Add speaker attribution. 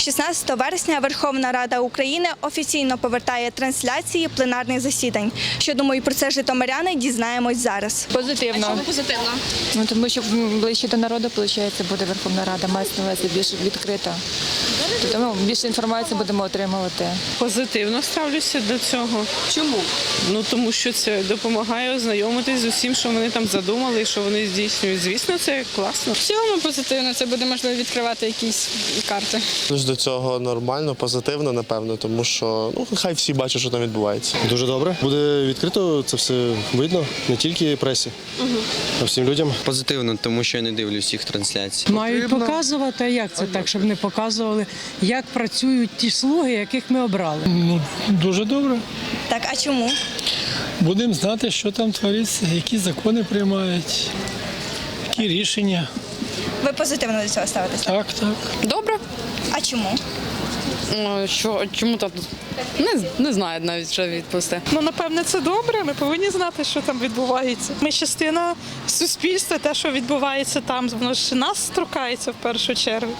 Speaker 1: 16 вересня Верховна Рада України офіційно повертає трансляції пленарних засідань. Що думають про це житомиряни, дізнаємось зараз.
Speaker 2: Позитивно.
Speaker 1: А чому позитивно?
Speaker 2: Ну, тому що ближче до народу, виходить, буде Верховна Рада, мається на увазі більш відкрита. Тому більше інформації будемо отримувати.
Speaker 3: Позитивно ставлюся до цього.
Speaker 4: Чому?
Speaker 3: Ну тому що це допомагає ознайомитись з усім, що вони там задумали, і що вони здійснюють. Звісно, це класно.
Speaker 4: В цілому позитивно, це буде можливо відкривати якісь карти.
Speaker 5: До цього нормально, позитивно, напевно, тому що хай всі бачать, що там відбувається.
Speaker 6: Дуже добре. Буде відкрито, це все видно, не тільки пресі, а всім людям.
Speaker 7: Позитивно, тому що я не дивлюсь всіх трансляцій.
Speaker 8: Мають показувати, а як це так, щоб не показували, як працюють ті слуги, яких ми обрали.
Speaker 9: Дуже добре.
Speaker 1: Так, а чому?
Speaker 9: Будемо знати, що там твориться, які закони приймають, які рішення.
Speaker 1: Ви позитивно до цього ставитесь?
Speaker 9: Так, так.
Speaker 4: Добре.
Speaker 1: А чому?
Speaker 4: Чому так? Не знаю навіть, що відповісти.
Speaker 10: Ну, напевне, це добре. Ми повинні знати, що там відбувається. Ми частина суспільства, те, що відбувається там, воно ж нас торкається в першу чергу.